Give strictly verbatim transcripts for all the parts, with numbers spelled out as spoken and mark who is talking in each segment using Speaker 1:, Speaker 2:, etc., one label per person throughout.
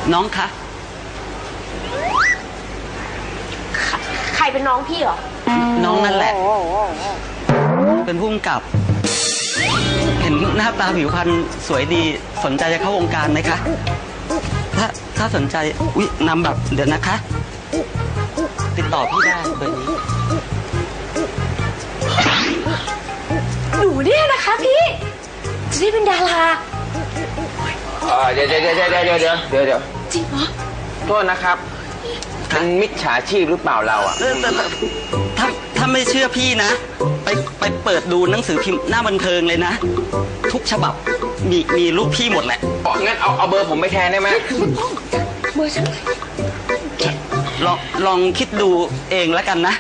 Speaker 1: น้องคะ
Speaker 2: ใครเป็นน้องพี่เหรอ
Speaker 1: น้องนั่นแหละเป็นผู้กำกับเห็นหน้าตาผิวพรรณสวยดีสนใจจะเข้าวงการไหมคะถ้าถ้าสนใจอุ๊ยนำแบบเดี๋ยวนะคะติดต่อพี่ได้เบอร์นี้
Speaker 2: หนูเนี่ยนะคะพี่จะได้เป็นดารา
Speaker 3: เดี๋ยวเดี๋ยวเดี๋ยวเดี๋ยวเดี๋ยวเดี๋ยวเดี๋ยวเดี๋ยว
Speaker 2: จริงเหรอ
Speaker 3: โทษนะครับเป็นมิจฉาชีพหรือเปล่าเราอ่ะ
Speaker 1: ถ้าถ้าไม่เชื่อพี่นะไปไปเปิดดูหนังสือพิมพ์หน้าบันเทิงเลยนะทุกฉบับมีมีรูปพี่หมดแหละ
Speaker 3: งั้นเอาเอาเบอร์ผมไปแทนได้ไหม
Speaker 2: เบอร์ฉัน
Speaker 1: ลองลองคิดดูเองแล้วกันนะ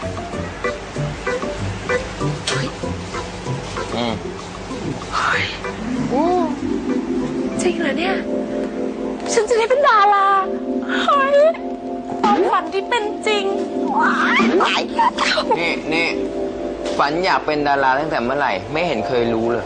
Speaker 3: อืม
Speaker 2: โอ้จริงเหรอเนี่ยฉันจะได้เป็นดาราเฮ้ยความฝันที่เป็นจริง
Speaker 3: นี่นี่ฝันอยากเป็นดาราตั้งแต่เมื่อไหร่ไม่เห็นเคยรู้เลย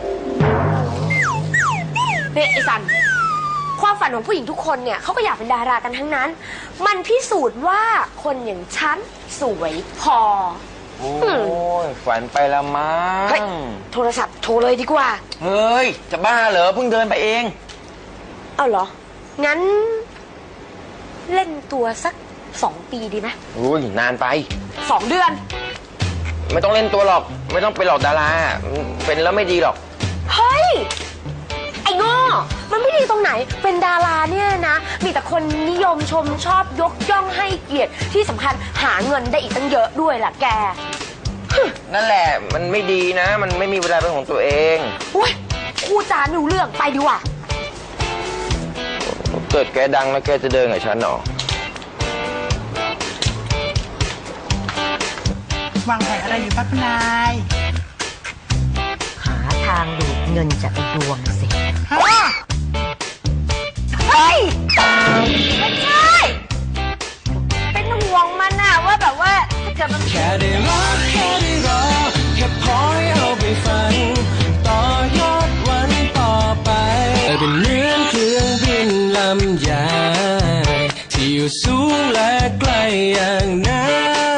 Speaker 2: เนี่ยไอ้สันความฝันของผู้หญิงทุกคนเนี่ยเขาก็อยากเป็นดารากันทั้งนั้นมันพิสูจน์ว่าคนอย่างฉันสวยพอ
Speaker 3: โอ้ยฝันไปละมั้ง
Speaker 2: โทรศัพท์โทรเลยดีกว่า
Speaker 3: เฮ้ยจะบ้าเหรอเพิ่งเดินไปเอง
Speaker 2: เอาเหรองั้นเล่นตัวสักสองปีดีไหม
Speaker 3: อุ้ยนานไป
Speaker 2: สองเดือน
Speaker 3: ไม่ต้องเล่นตัวหรอกไม่ต้องไปหลอกดาราเป็นแล้วไม่ดีหรอก
Speaker 2: เฮ้ยไอ้โง่มันไม่ดีตรงไหนเป็นดาราเนี่ยนะมีแต่คนนิยมชมชอบยกย่องให้เกียรติที่สำคัญหาเงินได้อีกตั้งเยอะด้วยล่ะแก
Speaker 3: นั่นแหละมันไม่ดีนะมันไม่มีเวลาเป็นของตัวเอง
Speaker 2: อุ้ยพูดจาหนูเรื่องไปดีกว่า
Speaker 3: เกิดแกดังแล้วแกจะเดินกับฉันหรอ
Speaker 4: วางแผนอะไรอยู่ครับนาย
Speaker 5: หาทางดูดเงินจากไอ้ดวงสิ
Speaker 2: เฮ้ยไม่ใช่เป็นห่วงมันน่ะว่าแบบว่าถ้าเกิดมัน
Speaker 6: แค่ได้รักแค่ได้รอแค่พอให้เอาไปฝันต่อยอดวันต่อไปเป็นเหมือนเครื่องบินลำใหญ่ที่อยู่สูงและไกลอย่างนั้น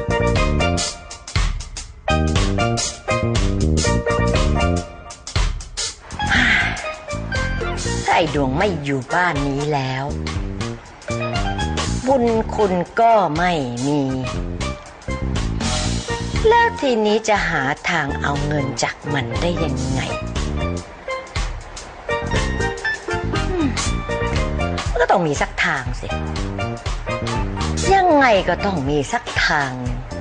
Speaker 5: ถ้าไอ้ดวงไม่อยู่บ้านนี้แล้วบุญคุณก็ไม่มีแล้วทีนี้จะหาทางเอาเงินจากมันได้ยังไงก็ต้องมีสักทางสิยังไงก็ต้องมีสักทาง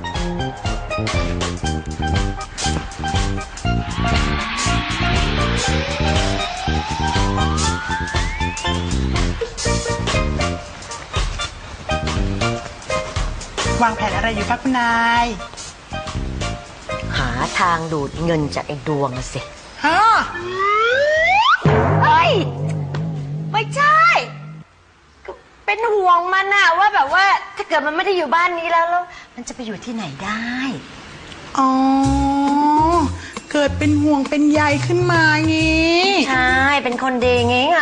Speaker 4: วางแผนอะไรอยู่ครับคุณนาย
Speaker 5: หาทางดูดเงินจากไอ้ดวงสิ
Speaker 4: ฮะ
Speaker 2: เฮ้ยไม่ใช่เป็นห่วงมันน่ะว่าแบบว่าถ้าเกิดมันไม่ได้อยู่บ้านนี้แล้วแล้ว
Speaker 5: มันจะไปอยู่ที่ไหนได้
Speaker 4: อ๋อเกิดเป็นห่วงเป็นใยขึ้นมางี้
Speaker 5: ใช่เป็นคนดีงี้ไง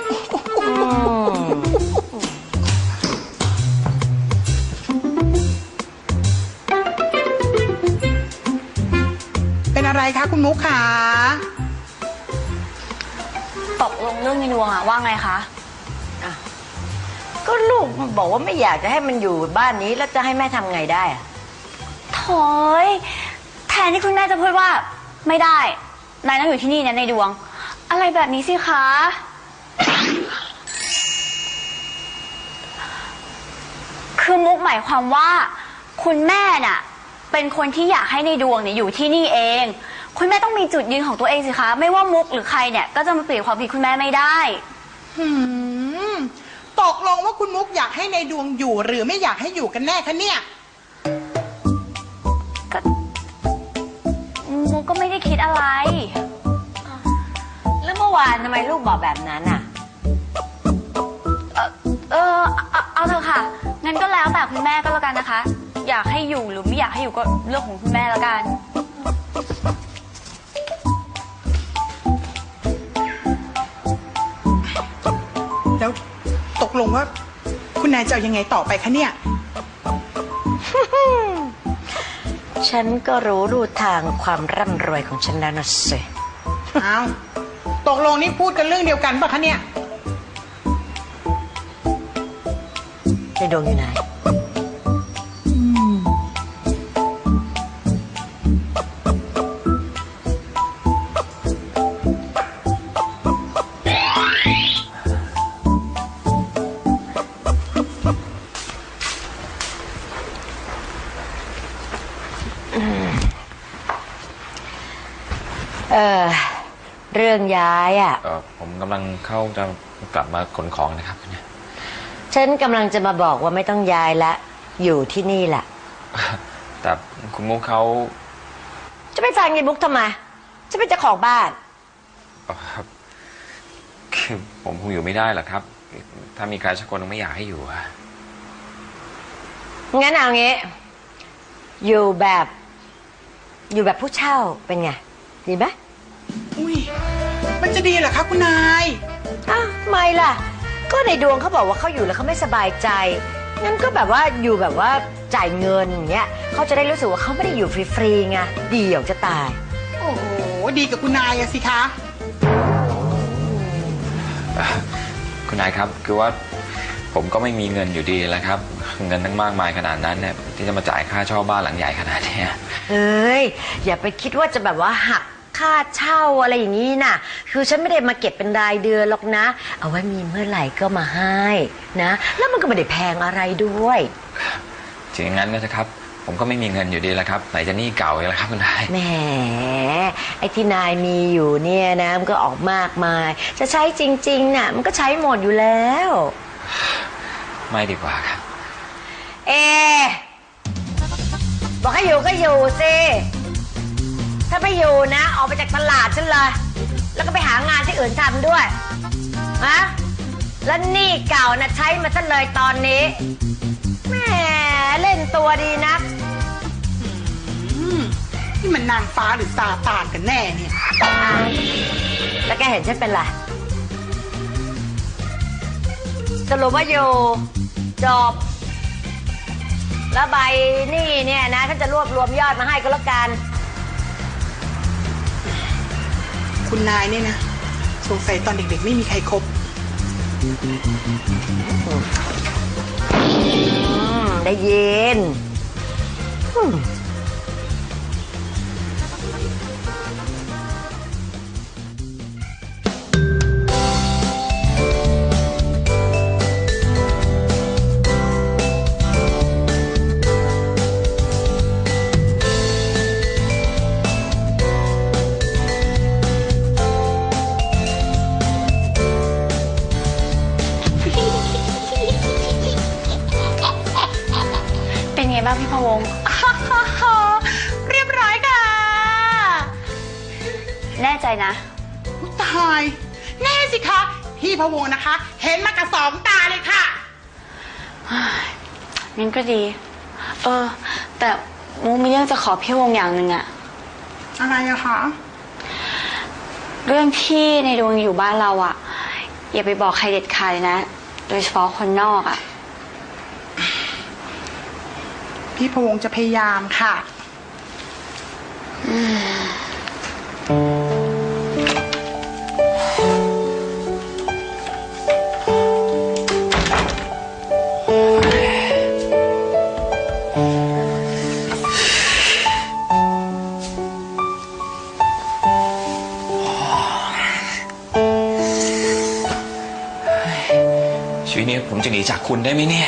Speaker 4: เป็นอะไรคะคุณมุกขา
Speaker 2: ตกลงเรื่องในดวงอะว่าไงคะ
Speaker 5: ก็ลูกบอกว่าไม่อยากจะให้มันอยู่บ้านนี้แล้วจะให้แม่ทำไงได้อะ
Speaker 2: โถยแทนที่คุณแม่จะพูดว่าไม่ได้นายต้องอยู่ที่นี่นะในดวงอะไรแบบนี้สิคะคือมุกหมายความว่าคุณแม่น่ะเป็นคนที่อยากให้ในดวงเนี่ยอยู่ที่นี่เองคุณแม่ต้องมีจุดยืนของตัวเองสิคะไม่ว่ามุกหรือใครเนี่ยก็จะมาเปลี่ยนความผิดคุณแม่ไม่ได้
Speaker 4: หืมตกลงว่าคุณมุกอยากให้ในดวงอยู่หรือไม่อยากให้อยู่กันแน่คะเนี่ย
Speaker 2: ก็มุกก็ไม่ได้คิดอะไร
Speaker 5: แล้วเมื่อวานทำไมลูกบอกแบบนั้นอ่ะ
Speaker 2: เออเออเอาเถอะค่ะงั้นก็แล้วแต่คุณแม่ก็แล้วกันนะคะอยากให้อยู่หรือไม่อยากให้อยู่ก็เรื่องของคุณแม่แล้วกัน
Speaker 4: แล้วตกลงว่าคุณนายจะเอายังไงต่อไปคะเนี่ย
Speaker 5: ฉันก็รู้รูทางความร่ำรวยของฉันแล้วนะสิ
Speaker 4: เอาตกลงนี่พูดกันเรื่องเดียวกันปะคะเนี่ย
Speaker 5: ในดวงอยู่ไหน เออ เรื่องย้ายอ่ะ
Speaker 3: เออผมกำลังเข้าจะกลับมาขนของนะครับเนี่ย
Speaker 5: ฉันกำลังจะมาบอกว่าไม่ต้องย้ายละ อยู่ที่นี่แหละ
Speaker 3: แต่คุณมุกเขา
Speaker 5: จะไปฟังยายบุ๊กทำไมจะเป็นเจ้าของบ้าน
Speaker 3: เอ่อครับคือผมคงอยู่ไม่ได้หรอกครับ ถ้ามีใครสักคนไม่อยากให้อยู่อะ
Speaker 5: งั้นเอางี้ อยู่แบบ อยู่แบบผู้เช่าเป็นไง ดีไหม
Speaker 4: อุ้ยมันจะดีเหรอคะคุณนาย
Speaker 5: อ้าวไม่ล่ะ ก็ในดวงเขาบอกว่าเขาอยู่แล้วเขาไม่สบายใจ งั้นก็แบบว่าอยู่แบบว่าจ่ายเงินอย่างเงี้ยเขาจะได้รู้สึกว่าเขาไม่ได้อยู่ฟรีๆไงเดี่ยวจะตาย
Speaker 4: โอ้โหดีกับคุณนายอะสิคะ
Speaker 3: คุณนายครับคือว่าผมก็ไม่มีเงินอยู่ดีแล้วครับ เงินตั้งมากมายขนาดนั้นเนี่ยที่จะมาจ่ายค่าเช่าบ้านหลังใหญ่ขนาดเนี้ย
Speaker 5: เอ้ยอย่าไปคิดว่าจะแบบว่าหักค่าเช่าอะไรอย่างนี้น่ะ คือฉันไม่ได้มาเก็บเป็นรายเดือนหรอกนะ เอาไว้มีเมื่อไหร่ก็มาให้นะ แล้วมันก็ไม่ได้แพงอะไรด้วย
Speaker 3: ถึงอย่างนั้นก็เถอะครับ ผมก็ไม่มีเงินอยู่ดีแล้วครับไหนจะหนี้เก่าอีกแล้วครับคุณนาย
Speaker 5: แหมไอ้ที่นายมีอยู่เนี่ยนะมันก็ออกมากมาย จะใช้จริงๆน่ะมันก็ใช้หมดอยู่แล้ว
Speaker 3: ไม่ดีกว่าครับ
Speaker 5: เอบอกให้อยู่ก็อยู่สิถ้าไม่อยู่นะออกไปจากตลาดฉันเลยแล้วก็ไปหางานที่อื่นทำด้วยฮะแล้วหนี้เก่านะใช้มาซะเลยตอนนี้แหมเล่นตัวดีนัก
Speaker 4: อืมนี่มันนางฟ้าหรือซาตานกันแน่เนี่ย
Speaker 5: อ่ะแล้วแกเห็นฉันเป็นไรสรุปว่าอยู่จบแล้วใบหนี้เนี่ยนะฉันจะรวบรวมยอดมาให้ก็แล้วกัน
Speaker 4: คุณนายเนี่ยนะสงสัยตอนเด็กๆไม่มีใครคบ
Speaker 5: อืมได้ยินอืม
Speaker 2: เป็นไงบ้างพี่พะวง
Speaker 4: เรียบร้อยค่ะ
Speaker 2: แน่ใจนะ
Speaker 4: อุ๊ยตายแน่สิคะพี่พะวงนะคะ เห็นมากับสองตาเลยค่ะ
Speaker 2: งั้นก็ดี เออ แต่มุกมีเรื่องจะขอพี่วงอย่างหนึ่งอะ
Speaker 4: อะไรอะคะ
Speaker 2: เรื่องที่ในดวงอยู่บ้านเราอะอย่าไปบอกใครเด็ดขาดเลยนะ โดยเฉพาะคนนอกอะ
Speaker 4: พี่พะวงจะพยายามค่ะ
Speaker 3: ชีวิตนี้ผมจะหนีจากคุณได้ไหมเนี่ย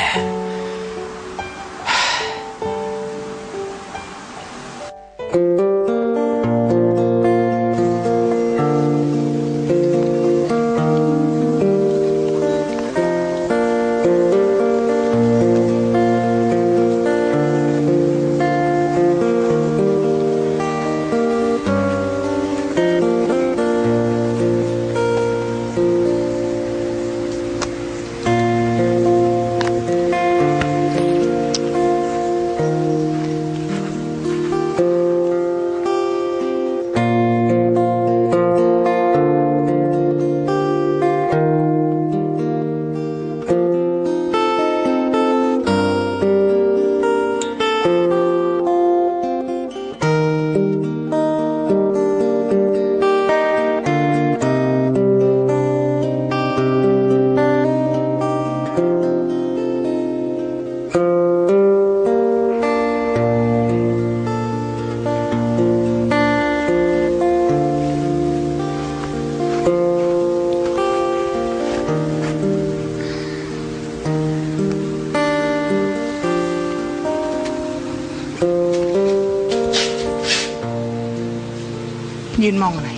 Speaker 4: นมองอะไร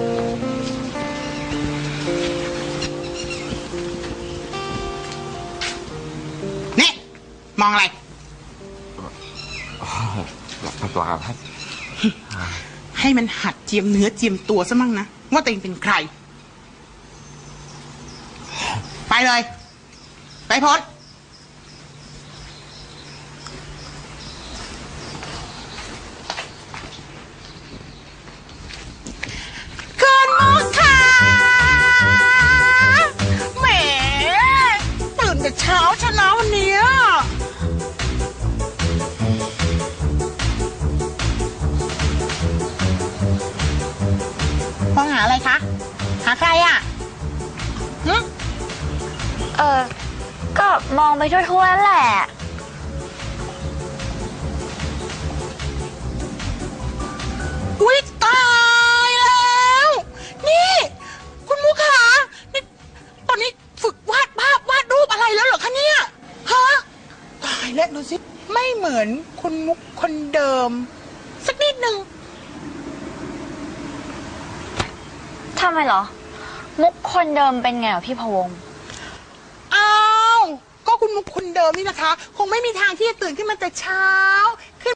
Speaker 4: นี่มองอะไร
Speaker 3: เปล่าครับ
Speaker 4: ให้มันหัดเจียมเนื้อเจียมตัวซะมั่งนะว่าตัวเองเป็นใคร ไปเลย ไปพ้นเกินมุกค่ะแหมตื่นแต่เช้าชนะวันนี้ มองหาอะไรคะ หาใครอ่ะหึ
Speaker 2: เออ ก็มองไปทั่วๆนั่นแหละ
Speaker 4: อุ๊ยตายแล้ว นี่ คุณมุกขานี่ตอนนี้ฝึกวาดภาพวาดรูปอะไรแล้วเหรอคะเนี่ยฮะตายแล้วดูสิไม่เหมือนคุณมุกคนเดิม สักนิดหนึ่ง
Speaker 2: ทำไมเหรอ มุกคนเดิมเป็นไงเหรอพี่พะวง
Speaker 4: อ้าว ก็คุณมุกคนเดิมนี่นะคะ คงไม่มีทางที่จะตื่นขึ้นมาแต่เช้าขึ้น